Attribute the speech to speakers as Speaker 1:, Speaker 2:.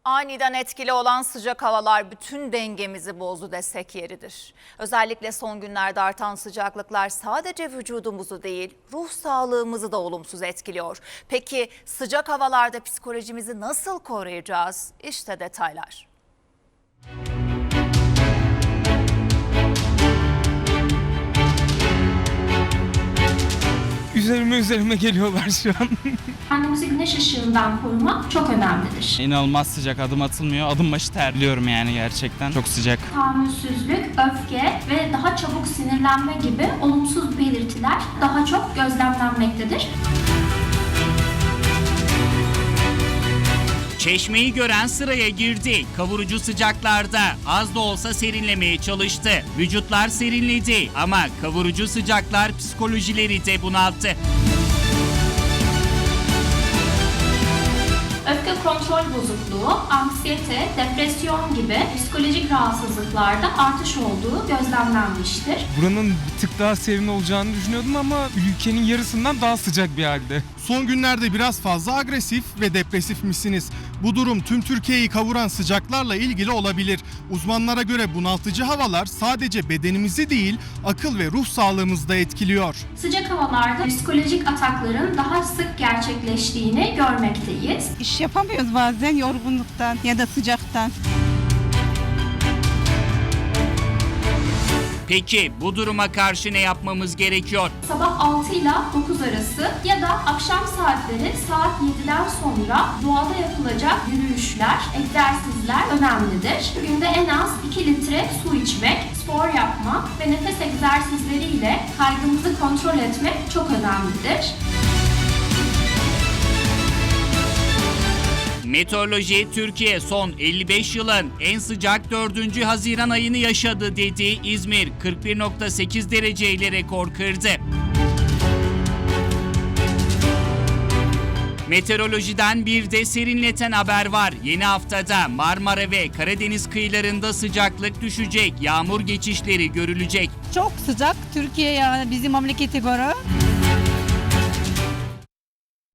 Speaker 1: Aniden etkili olan sıcak havalar bütün dengemizi bozdu desek yeridir. Özellikle son günlerde artan sıcaklıklar sadece vücudumuzu değil, ruh sağlığımızı da olumsuz etkiliyor. Peki sıcak havalarda psikolojimizi nasıl koruyacağız? İşte detaylar.
Speaker 2: Üzerime geliyorlar şu an.
Speaker 3: Kendimizi güneş ışığından korumak çok önemlidir.
Speaker 2: İnanılmaz sıcak, adım atılmıyor. Adım başı terliyorum yani gerçekten. Çok sıcak.
Speaker 3: Tahammülsüzlük, öfke ve daha çabuk sinirlenme gibi olumsuz belirtiler daha çok gözlemlenmektedir.
Speaker 4: Çeşmeyi gören sıraya girdi. Kavurucu sıcaklarda az da olsa serinlemeye çalıştı. Vücutlar serinledi ama kavurucu sıcaklar psikolojileri de bunalttı.
Speaker 3: Öfke kontrol bozukluğu, anksiyete, depresyon gibi psikolojik rahatsızlıklarda artış olduğu gözlemlenmiştir.
Speaker 2: Buranın bir tık daha serin olacağını düşünüyordum ama ülkenin yarısından daha sıcak bir halde.
Speaker 5: Son günlerde biraz fazla agresif ve depresif misiniz? Bu durum tüm Türkiye'yi kavuran sıcaklarla ilgili olabilir. Uzmanlara göre bunaltıcı havalar sadece bedenimizi değil, akıl ve ruh sağlığımızı da etkiliyor.
Speaker 3: Sıcak havalarda psikolojik atakların daha sık gerçekleştiğini görmekteyiz.
Speaker 6: İş yapamıyoruz bazen yorgunluktan ya da sıcaktan.
Speaker 4: Peki bu duruma karşı ne yapmamız gerekiyor?
Speaker 3: Sabah 6 ile 9 arası ya da akşam saatleri saat 7'den sonra doğada yapılacak yürüyüşler, egzersizler önemlidir. Günde en az 2 litre su içmek, spor yapmak ve nefes egzersizleriyle kaygımızı kontrol etmek çok önemlidir.
Speaker 4: Meteoroloji Türkiye son 55 yılın en sıcak 4. Haziran ayını yaşadı dedi. İzmir 41,8 dereceyle rekor kırdı. Meteorolojiden bir de serinleten haber var. Yeni haftada Marmara ve Karadeniz kıyılarında sıcaklık düşecek. Yağmur geçişleri görülecek.
Speaker 6: Çok sıcak Türkiye yani bizim memlekete göre.